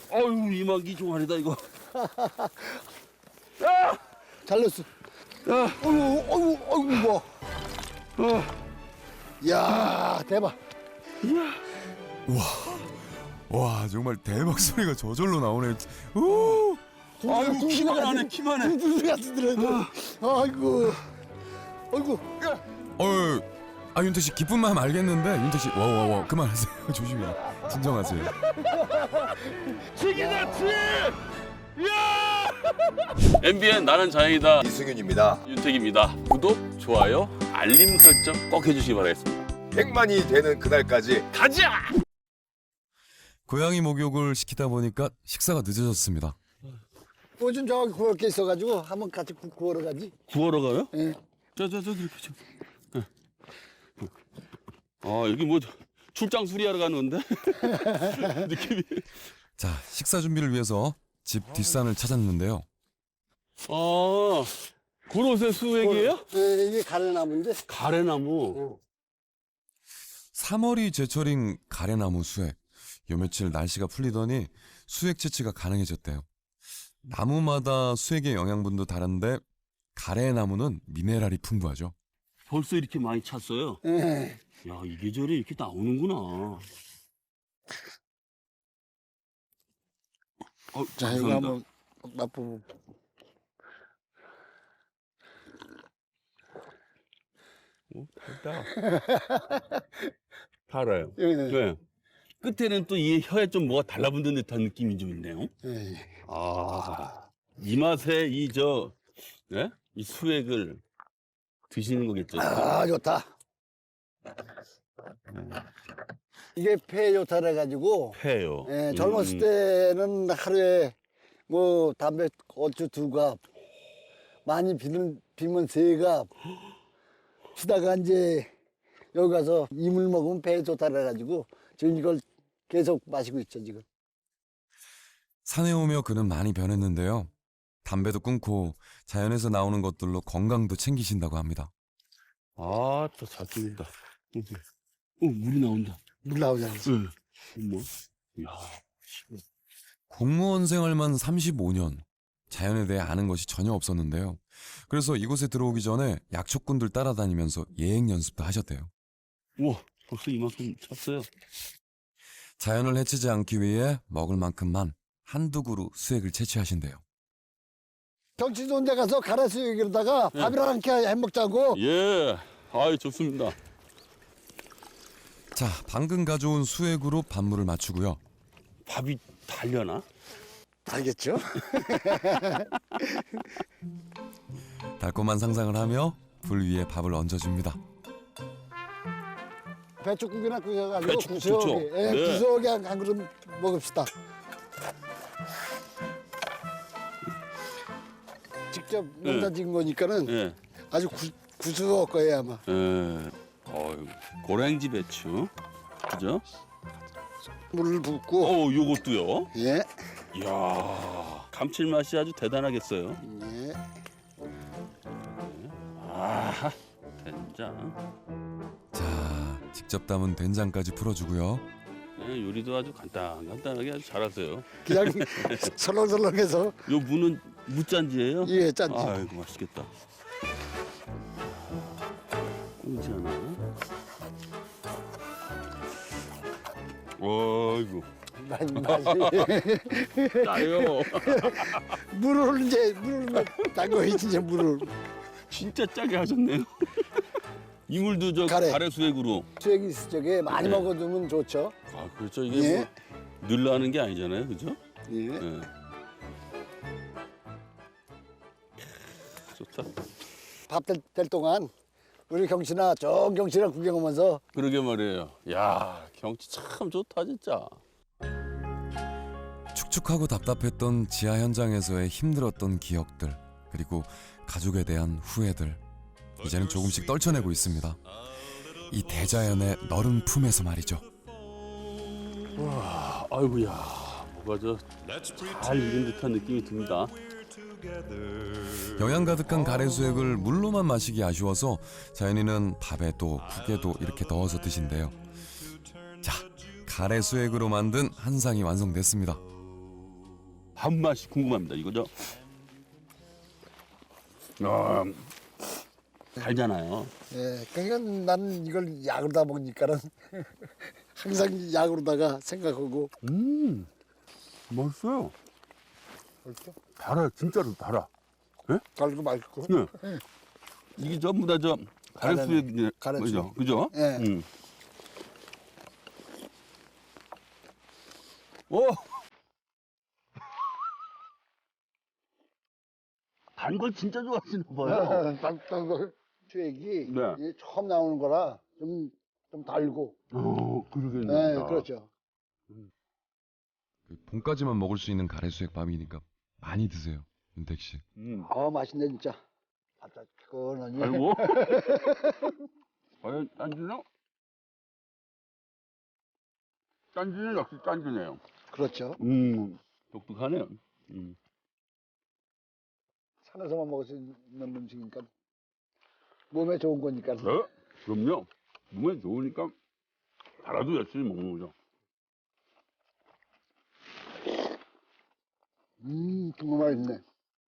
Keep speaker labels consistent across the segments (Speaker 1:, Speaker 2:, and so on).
Speaker 1: 어휴, 이만기 종아리다 이거.
Speaker 2: 잘 넣었어. 어이구, 뭐. 야, 대박.
Speaker 3: 와 정말 대박 소리가 저절로 나오네. 오!
Speaker 1: 아이고, 키만 하네, 키만 해.
Speaker 2: 두두 같이 들어요. 아이고.
Speaker 3: 아 윤태 씨 기쁜 마음 알겠는데 윤태 씨 와 그만하세요. 조심히 진정하세요.
Speaker 1: 튀기다 튀! 야! MBN 나는 자연이다.
Speaker 4: 이승윤입니다.
Speaker 1: 윤택입니다. 구독, 좋아요, 알림 설정 꼭 해주시기 바라겠습니다.
Speaker 4: 100만이 되는 그날까지
Speaker 1: 가자!
Speaker 3: 고양이 목욕을 시키다 보니까 식사가 늦어졌습니다.
Speaker 2: 요즘 저기 구울 게 있어가지고 한번 같이 구워러 가지.
Speaker 1: 구하러 가요?
Speaker 2: 예.
Speaker 1: 저기 이렇게 좀. 여기 뭐 출장 수리하러 가는 건데? 느낌이.
Speaker 3: 자 식사 준비를 위해서 집 뒷산을 찾았는데요.
Speaker 1: 고로쇠 수액이에요?
Speaker 2: 예, 이게 가래나무인데.
Speaker 1: 가래나무.
Speaker 3: 3월이 제철인 가래나무 수액. 요 며칠 날씨가 풀리더니 수액 채취가 가능해졌대요. 나무마다 수액의 영양분도 다른데 가래나무는 미네랄이 풍부하죠.
Speaker 1: 벌써 이렇게 많이 찼어요?
Speaker 2: 예.
Speaker 1: 야, 이 계절에 이렇게 나오는구나.
Speaker 2: 자, 이거
Speaker 1: 감사합니다.
Speaker 2: 한번 맛보고.
Speaker 1: 달다. 달아요.
Speaker 2: 예.
Speaker 1: 네. 끝에는 또 이 혀에 좀 뭐가 달라붙는 듯한 느낌이 좀 있네요.
Speaker 2: 예.
Speaker 1: 이 맛에 이 수액을 드시는 거겠죠?
Speaker 2: 아, 좋다. 이게 폐 좋다 그래가지고
Speaker 1: 해요.
Speaker 2: 예, 젊었을 때는 하루에 뭐 담배 어쭈 2갑, 많이 비면 3갑 쓰다가 이제 여기 가서 이물 먹으면 폐 좋다 그래가지고 지금 이걸 계속 마시고 있죠 지금.
Speaker 3: 산에 오며 그는 많이 변했는데요. 담배도 끊고 자연에서 나오는 것들로 건강도 챙기신다고 합니다.
Speaker 1: 또 잘 끓는다. 물이 나온다.
Speaker 2: 물 나오잖아.
Speaker 1: 어머. 야.
Speaker 3: 공무원 생활만 35년. 자연에 대해 아는 것이 전혀 없었는데요. 그래서 이곳에 들어오기 전에 약초꾼들 따라다니면서 예행 연습도 하셨대요.
Speaker 1: 우와, 벌써 이만큼 찼어요.
Speaker 3: 자연을 해치지 않기 위해 먹을 만큼만 한두 그루 수액을 채취하신대요.
Speaker 2: 경치 좋은 데 가서 가라수 여기로다가 밥이랑 함께 해먹자고.
Speaker 1: 예. 좋습니다.
Speaker 3: 자, 방금 가져온 수액으로 밥물을 맞추고요.
Speaker 1: 밥이 달려나?
Speaker 2: 알겠죠?
Speaker 3: 달콤한 상상을 하며 불 위에 밥을 얹어줍니다.
Speaker 2: 배추국이나 끓여가지고
Speaker 1: 배추국
Speaker 2: 구수하게,
Speaker 1: 좋죠.
Speaker 2: 예,
Speaker 1: 네.
Speaker 2: 구수하게 한 그릇 먹읍시다. 직접 농사 지은 거니까는
Speaker 1: 예.
Speaker 2: 아주 구수할 거예요 아마.
Speaker 1: 예. 고랭지 배추. 그죠?
Speaker 2: 물을 붓고.
Speaker 1: 요것도요.
Speaker 2: 예.
Speaker 1: 이야, 감칠맛이 아주 대단하겠어요.
Speaker 2: 예.
Speaker 1: 된장.
Speaker 3: 자, 직접 담은 된장까지 풀어주고요.
Speaker 1: 요리도 아주 간단하게 아주 잘하세요.
Speaker 2: 그냥 설렁설렁해서.
Speaker 1: 요 무는 무짠지예요?
Speaker 2: 예, 짠지.
Speaker 1: 아이고, 맛있겠다. 꽁지 하나. 아이고,
Speaker 2: 맛이.
Speaker 1: 짜요.
Speaker 2: 물을 담궈야지 이제 물을.
Speaker 1: 진짜 짜게 하셨네요. 이물도 저
Speaker 2: 가래.
Speaker 1: 가래 수액으로.
Speaker 2: 수액이 있을 적에 많이
Speaker 1: 네.
Speaker 2: 먹어두면 좋죠.
Speaker 1: 그렇죠. 이게
Speaker 2: 예.
Speaker 1: 뭐 늘러 하는 게 아니잖아요, 그죠?
Speaker 2: 예.
Speaker 1: 예. 좋다.
Speaker 2: 밥 될 동안 우리 경치나 저 경치나 구경하면서.
Speaker 1: 그러게 말이에요. 야, 경치 참 좋다 진짜.
Speaker 3: 축축하고 답답했던 지하 현장에서의 힘들었던 기억들, 그리고 가족에 대한 후회들, 이제는 조금씩 떨쳐내고 있습니다. 이 대자연의 너른 품에서 말이죠.
Speaker 1: 와, 아이고야, 뭐가 잘 익은 듯한 느낌이 듭니다.
Speaker 3: 영양 가득한 가래수액을 물로만 마시기 아쉬워서 자연이는 밥에도 국에도 이렇게 넣어서 드신대요. 자, 가래수액으로 만든 한상이 완성됐습니다.
Speaker 1: 밥맛이 궁금합니다. 이거죠? 달잖아요.
Speaker 2: 예, 그러니까 난 이걸 약으로다 먹으니까는 항상 약으로다가 생각하고.
Speaker 1: 맛있어요.
Speaker 2: 벌써
Speaker 1: 달아, 진짜로 달아.
Speaker 2: 달고 맛있고.
Speaker 1: 네. 이게 전부 다 저 가래수액
Speaker 2: 가래수액.
Speaker 1: 그죠?
Speaker 2: 예.
Speaker 1: 오! 단 걸 진짜 좋아하시나 봐요.
Speaker 2: 딴거 수액이
Speaker 1: 네.
Speaker 2: 이게 처음 나오는 거라 좀 달고.
Speaker 1: 그러겠네.
Speaker 2: 네, 그렇죠.
Speaker 3: 봄까지만 먹을 수 있는 가래수액 밤이니까 많이 드세요, 윤택 씨.
Speaker 2: 맛있네 진짜. 바삭거나니.
Speaker 1: 아이고. 과연 딴지는? 딴지는 역시 딴지네요.
Speaker 2: 그렇죠.
Speaker 1: 독특하네요.
Speaker 2: 산에서만 먹을 수 있는 음식이니까 몸에 좋은 거니까.
Speaker 1: 네? 그럼요. 몸에 좋으니까 달아도 열심히 먹는 거죠.
Speaker 2: 정말 맛있네.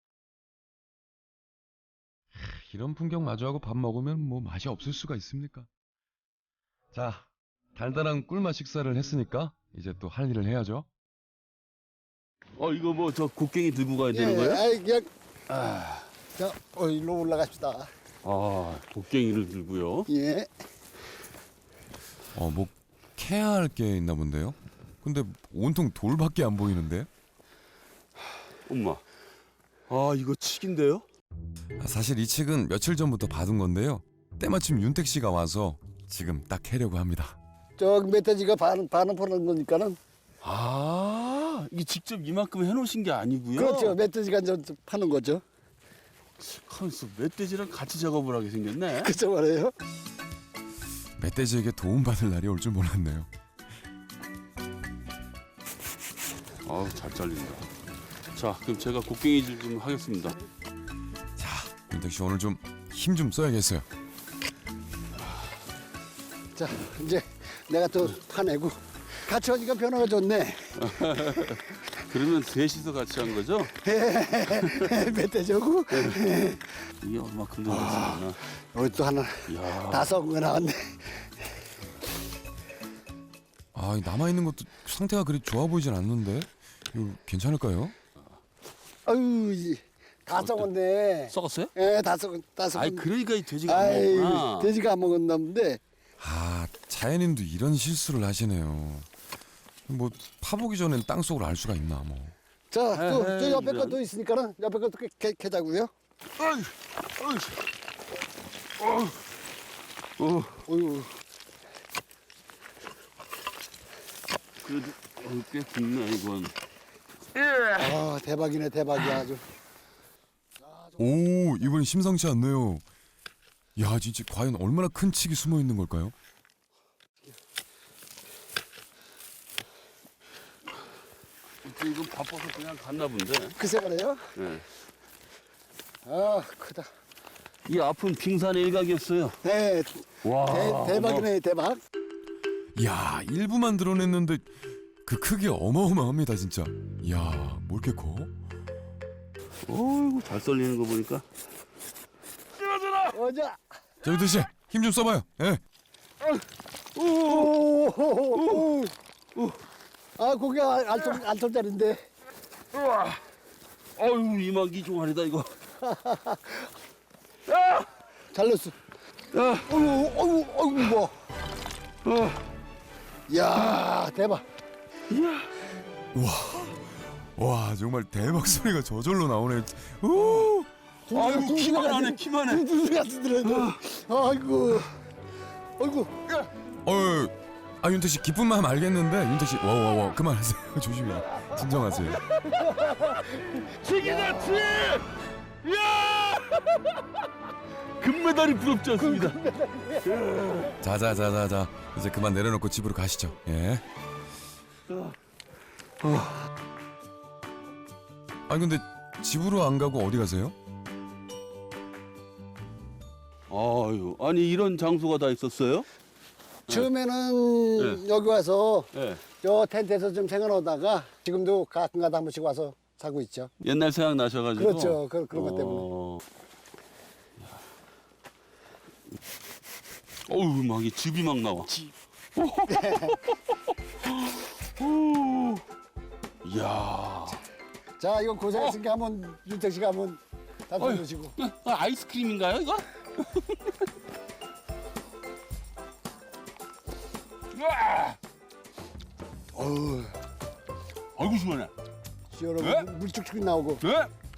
Speaker 3: 이런 풍경 마주하고 밥 먹으면 뭐 맛이 없을 수가 있습니까? 자, 달달한 꿀맛 식사를 했으니까 이제 또 할 일을 해야죠.
Speaker 1: 이거 뭐 저 곡괭이 들고 가야 되는 거예요?
Speaker 2: 아이 그냥 자, 일로 올라갑시다.
Speaker 1: 곡괭이를 들고요.
Speaker 2: 예.
Speaker 3: 뭐 캐야 할 게 있나 본데요? 근데 온통 돌밖에 안 보이는데?
Speaker 1: 엄마. 이거 칡인데요?
Speaker 3: 사실 이 책은 며칠 전부터 받은 건데요. 때마침 윤택 씨가 와서 지금 딱 캐려고 합니다.
Speaker 2: 저기 멧돼지가 반은 퍼는 거니까는.
Speaker 1: 이게 직접 이만큼 해놓으신 게 아니고요.
Speaker 2: 그렇죠. 멧돼지가 이제 파는 거죠.
Speaker 1: 가만있어, 멧돼지랑 같이 작업을 하게 생겼네.
Speaker 2: 그죠 말이에요.
Speaker 3: 멧돼지에게 도움받을 날이 올 줄 몰랐네요.
Speaker 1: 잘 잘린다. 자, 그럼 제가 곡괭이질 좀 하겠습니다.
Speaker 3: 자, 윤택 씨 오늘 좀 힘 좀 써야겠어요.
Speaker 2: 자, 이제 내가 또 파내고 같이 하니까 변화가 좋네.
Speaker 1: 그러면 셋이서 같이 한 거죠?
Speaker 2: 멧돼지하고.
Speaker 1: 이게 얼마큼 들어갔으나.
Speaker 2: 여기 또 하나
Speaker 1: 이야.
Speaker 2: 다 썩은 거 나왔네.
Speaker 3: 이 남아있는 것도 상태가 그리 좋아 보이진 않는데 이거 괜찮을까요?
Speaker 2: 아유, 다 썩었네.
Speaker 1: 썩었어요?
Speaker 2: 예, 다 썩은.
Speaker 1: 그러니까 이 돼지가 안
Speaker 2: 아이,
Speaker 1: 먹구나.
Speaker 2: 돼지가 안 먹었나 본데.
Speaker 3: 자연인도 이런 실수를 하시네요. 뭐 파보기 전엔 땅속을 알 수가 있나 뭐.
Speaker 2: 자, 또
Speaker 1: 에헤이,
Speaker 2: 저 옆에
Speaker 1: 이런.
Speaker 2: 것도 있으니까는 옆에 것도 캐자고요. 어휴,
Speaker 1: 그래도 꽤 굵네 이건.
Speaker 2: 대박이네, 대박이야 아주.
Speaker 3: 오, 이번엔 심상치 않네요. 야, 진짜 과연 얼마나 큰 칡이 숨어 있는 걸까요?
Speaker 1: 이건 바빠서 그냥 갔나 본데.
Speaker 2: 글쎄 말이에요.
Speaker 1: 네.
Speaker 2: 크다.
Speaker 1: 이 앞은 빙산의 일각이었어요.
Speaker 2: 네,
Speaker 1: 와.
Speaker 2: 대박이네, 대박.
Speaker 3: 야, 일부만 드러냈는데 그 크기 어마어마합니다, 진짜. 야, 뭐 이렇게 커?
Speaker 1: 어이구, 잘 썰리는 거 보니까.
Speaker 2: 어자.
Speaker 3: 자, 윤택 씨, 힘 좀 써봐요. 예.
Speaker 2: 오. 고기가 알통짜리인데.
Speaker 1: 어휴, 이만기 종아리다 이거.
Speaker 2: 잘 넣었어. 어이구, 뭐. 야, 대박.
Speaker 3: 와, 정말 대박 소리가 저절로 나오네. 오!
Speaker 1: 아이고, 키만 하네, 키만 해.
Speaker 2: 두두 같이 들어요. 아이고.
Speaker 3: 윤택 씨 기쁜 마음 알겠는데 윤택 씨, 와, 그만하세요. 조심히, 진정하세요.
Speaker 1: 칡이다, 칡! 이야! 금메달이 부럽지 않습니다.
Speaker 3: 자, 이제 그만 내려놓고 집으로 가시죠. 예. 근데 집으로 안 가고 어디 가세요?
Speaker 1: 아니 이런 장소가 다 있었어요?
Speaker 2: 처음에는 여기 와서
Speaker 1: 네.
Speaker 2: 저 텐트에서 좀 생활하다가 지금도 가끔가다 한 번씩 와서 사고 있죠.
Speaker 1: 옛날 생각 나셔가지고.
Speaker 2: 그렇죠. 그런 것 때문에.
Speaker 1: 어우, 막 이 즙이 막 나와. 오. 이야.
Speaker 2: 자, 이거 고생했으니까 한번 윤택 씨가 한번
Speaker 1: 어이.
Speaker 2: 담궈주시고.
Speaker 1: 아이스크림인가요, 이거? 우와!
Speaker 2: 어우,
Speaker 1: 아이고, 시원해.
Speaker 2: 시원하고
Speaker 1: 네?
Speaker 2: 물 쭉쭉 나오고.
Speaker 1: 네?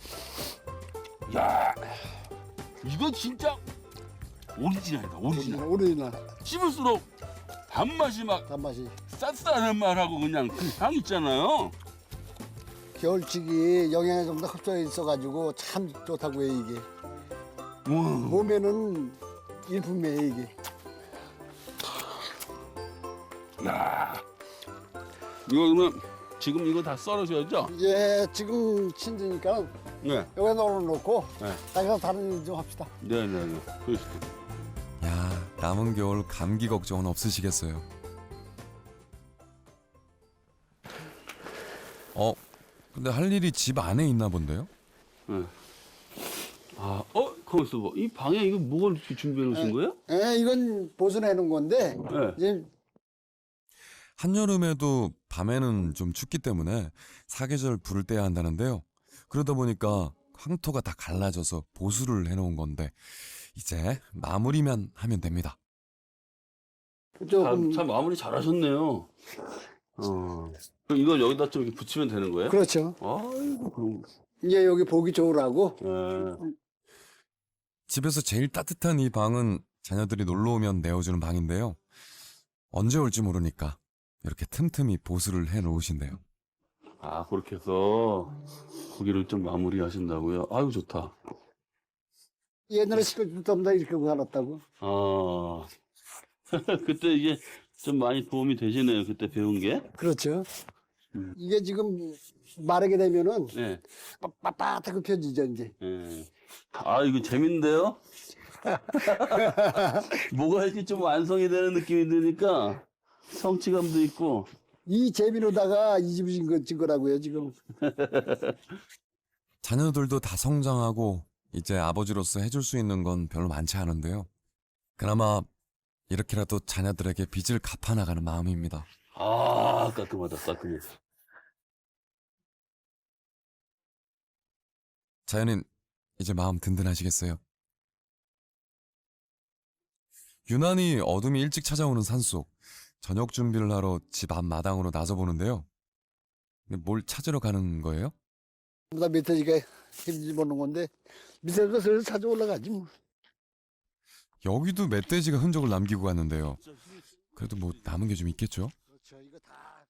Speaker 1: 야, 이거 진짜 오리지널이다, 오리지널.
Speaker 2: 오리지널
Speaker 1: 씹을수록 단맛이 막
Speaker 2: 단맛이.
Speaker 1: 쌉쌀한 맛하고 그냥 그 향 있잖아요.
Speaker 2: 겨울치기 영양이 좀 더 흡수해 있어가지고 참 좋다고요 이게.
Speaker 1: 우와.
Speaker 2: 몸에는 일품이에요 이게.
Speaker 1: 야, 이거 그러면 지금 이거 다 썰으셔야죠?
Speaker 2: 이제 지금 친드니까
Speaker 1: 네.
Speaker 2: 여기다 넣어놓고
Speaker 1: 네.
Speaker 2: 나가서 다른 일 좀 합시다.
Speaker 1: 네네네. 그러시죠.
Speaker 3: 야, 남은 겨울 감기 걱정은 없으시겠어요. 근데 할 일이 집 안에 있나 본데요?
Speaker 1: 네. 아, 가만 있어봐. 이 방에 이거 뭐가 이렇게 준비해 놓으신 거예요?
Speaker 2: 예, 이건 보존해 놓은 건데
Speaker 1: 네.
Speaker 2: 이제
Speaker 3: 한여름에도 밤에는 좀 춥기 때문에 사계절 불을 떼야 한다는데요. 그러다 보니까 황토가 다 갈라져서 보수를 해놓은 건데 이제 마무리만 하면 됩니다.
Speaker 2: 조금
Speaker 1: 참 마무리 잘하셨네요. 그럼 이걸 여기다 좀 이렇게 붙이면 되는 거예요?
Speaker 2: 그렇죠.
Speaker 1: 아이고, 그럼.
Speaker 2: 이제 여기 보기 좋으라고.
Speaker 1: 네.
Speaker 3: 집에서 제일 따뜻한 이 방은 자녀들이 놀러 오면 내어주는 방인데요. 언제 올지 모르니까 이렇게 틈틈이 보수를 해놓으신대요.
Speaker 1: 아, 그렇게 해서 거기를 좀 마무리 하신다고요? 아유, 좋다.
Speaker 2: 옛날에 시골 때보다 이렇게 살았다고.
Speaker 1: 아, 그때 이게 좀 많이 도움이 되시네요. 그때 배운 게.
Speaker 2: 그렇죠. 이게 지금 마르게 되면은
Speaker 1: 네.
Speaker 2: 빳빳하게 펴지죠 이제.
Speaker 1: 네. 아, 이거 재밌는데요? 뭐가 이렇게 좀 완성이 되는 느낌이 드니까 성취감도 있고.
Speaker 2: 이 재미로다가 이 집을 진 거라고요 지금.
Speaker 3: 자녀들도 다 성장하고 이제 아버지로서 해줄 수 있는 건 별로 많지 않은데요. 그나마 이렇게라도 자녀들에게 빚을 갚아나가는 마음입니다.
Speaker 1: 아, 깔끔하다, 깔끔해.
Speaker 3: 자연인 이제 마음 든든하시겠어요? 유난히 어둠이 일찍 찾아오는 산속. 저녁 준비를 하러 집 앞마당으로 나서보는데요. 근데 뭘 찾으러 가는 거예요?
Speaker 2: 나 멧돼지가 힘집어놓은 건데 밑에 것을 찾아 올라가지 뭐.
Speaker 3: 여기도 멧돼지가 흔적을 남기고 갔는데요. 그래도 뭐 남은 게 좀 있겠죠?
Speaker 2: 그렇죠. 이거 다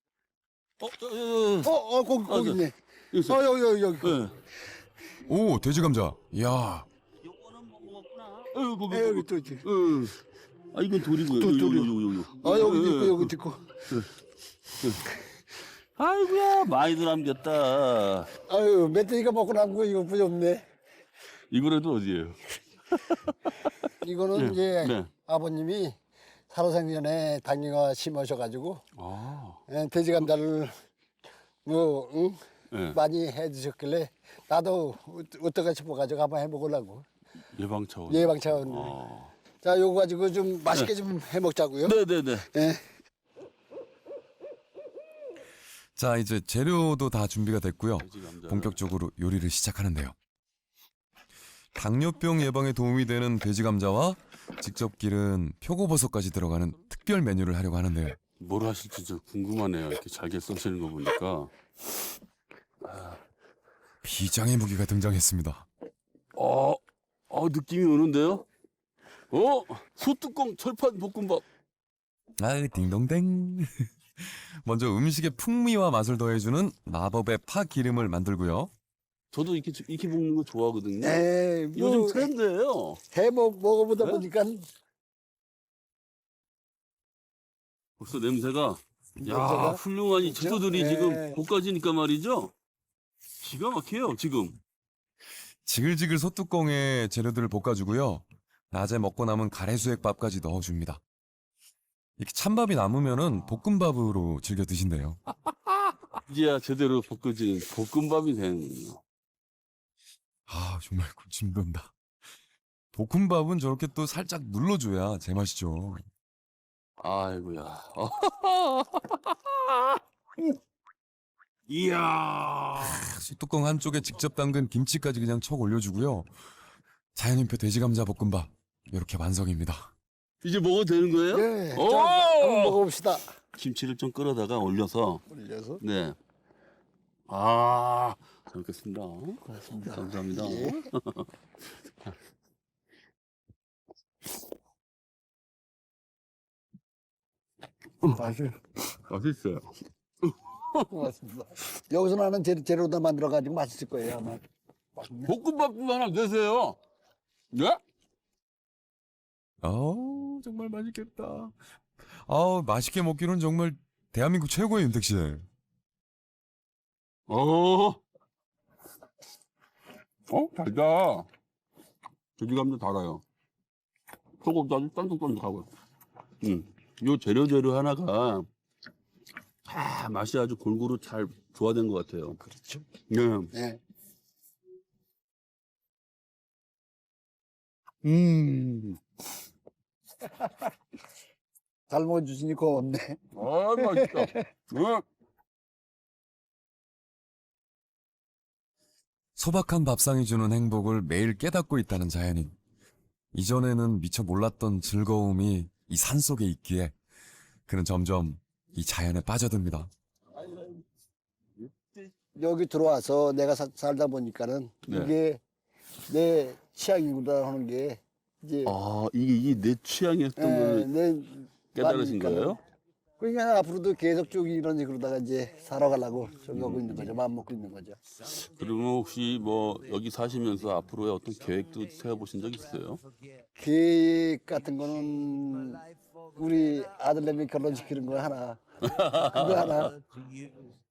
Speaker 2: 멧돼지. 거기 있네.
Speaker 1: 여기 있어요.
Speaker 2: 여기.
Speaker 1: 네.
Speaker 3: 오, 돼지 감자. 이야,
Speaker 1: 요거는 못 먹었구나. 거기,
Speaker 2: 여기 또 있지.
Speaker 1: 아, 이건 돌이고요.
Speaker 2: 또 돌이요. 여기 있고 여기 있고.
Speaker 1: 아이고야, 많이들 남겼다.
Speaker 2: 아유 멧돼지가 먹고 남은 거 이거 뿐이 없네.
Speaker 1: 이거라도 어디예요?
Speaker 2: 이거는 이제
Speaker 1: 네.
Speaker 2: 아버님이 살아생전에 당뇨가 심하셔가지고
Speaker 1: 아,
Speaker 2: 돼지 감자를 뭐
Speaker 1: 네.
Speaker 2: 많이 해주셨길래 나도 어떨까 싶어가지고 한번 해먹으려고
Speaker 1: 예방 차원.
Speaker 2: 예방 차원으로.
Speaker 1: 아.
Speaker 2: 자 요거 가지고 좀 맛있게 좀 해먹자고요.
Speaker 1: 네네네.
Speaker 2: 예.
Speaker 3: 자 이제 재료도 다 준비가 됐고요.
Speaker 1: 돼지 감자를.
Speaker 3: 본격적으로 요리를 시작하는데요. 당뇨병 예방에 도움이 되는 돼지 감자와 직접 기른 표고버섯까지 들어가는 특별 메뉴를 하려고 하는데요.
Speaker 1: 뭘 하실지 좀 궁금하네요. 이렇게 잘게 써시는 거 보니까.
Speaker 3: 비장의 무기가 등장했습니다.
Speaker 1: 느낌이 오는데요? 소뚜껑 철판 볶음밥.
Speaker 3: 아, 딩동댕. 먼저 음식의 풍미와 맛을 더해주는 마법의 파 기름을 만들고요.
Speaker 1: 저도 이렇게 먹는 거 좋아하거든요.
Speaker 2: 에이, 뭐
Speaker 1: 요즘 트렌드예요.
Speaker 2: 먹어보다
Speaker 1: 네?
Speaker 2: 보니까
Speaker 1: 벌써 냄새가. 야,
Speaker 2: 냄새가?
Speaker 1: 훌륭하니
Speaker 2: 그렇죠?
Speaker 1: 채소들이
Speaker 2: 네.
Speaker 1: 지금 볶아지니까 말이죠. 기가 막혀요, 지금.
Speaker 3: 지글지글 소뚜껑에 재료들을 볶아주고요. 낮에 먹고 남은 가래수액밥까지 넣어줍니다. 이렇게 찬밥이 남으면은 볶음밥으로 즐겨 드신대요.
Speaker 1: 이제야 제대로 볶아진 볶음밥이 되는군요.
Speaker 3: 아 정말 군침 돈다. 볶음밥은 저렇게 또 살짝 눌러줘야 제맛이죠.
Speaker 1: 아이고야. 이야.
Speaker 3: 숯뚜껑 한쪽에 직접 담근 김치까지 그냥 척 올려주고요. 자연인표 돼지감자 볶음밥 이렇게 완성입니다.
Speaker 1: 이제 먹어도 되는 거예요?
Speaker 2: 네.
Speaker 1: 오!
Speaker 2: 자, 한번 먹어봅시다.
Speaker 1: 김치를 좀 끓여다가 올려서.
Speaker 2: 올려서.
Speaker 1: 네. 아, 잘 먹겠습니다.
Speaker 2: 고맙습니다.
Speaker 1: 감사합니다.
Speaker 2: 예.
Speaker 1: 맛있어요.
Speaker 2: 고맙습니다. 여기서 나는 재료도 만들어가지고 맛있을 거예요 아마.
Speaker 1: 볶음밥 좀 하나 내세요. 네?
Speaker 3: 아우 정말 맛있겠다. 아우 맛있게 먹기로는 정말 대한민국 최고의 윤택 씨.
Speaker 1: 달다. 돼지감도 달아요. 소금도 아주 쫀득쫀득하고요. 요 재료 하나가 다 맛이 아주 골고루 잘 조화된 것 같아요.
Speaker 2: 그렇죠.
Speaker 1: 네.
Speaker 2: 네. 잘 먹어주시니 고맙네.
Speaker 1: 아, 맛있다. 네.
Speaker 3: 소박한 밥상이 주는 행복을 매일 깨닫고 있다는 자연인. 이전에는 미처 몰랐던 즐거움이 이 산 속에 있기에 그는 점점 이 자연에 빠져듭니다.
Speaker 2: 여기 들어와서 내가 살다 보니까는
Speaker 1: 네.
Speaker 2: 이게 내 취향이구나 하는 게 이제
Speaker 1: 아, 이게 내 취향이었던 걸
Speaker 2: 내
Speaker 1: 깨달으신
Speaker 2: 맞으니까는.
Speaker 1: 거예요?
Speaker 2: 그러니까 앞으로도 계속 쭉 이런 식으로다가 이제 살아가려고 저기 하고 있는 거죠. 마음 먹고 있는 거죠.
Speaker 1: 그러면 혹시 뭐 여기 사시면서 앞으로의 어떤 계획도 세워보신 적 있어요?
Speaker 2: 계획 같은 거는 우리 아들내미 결혼시키는 거 하나 그거 하나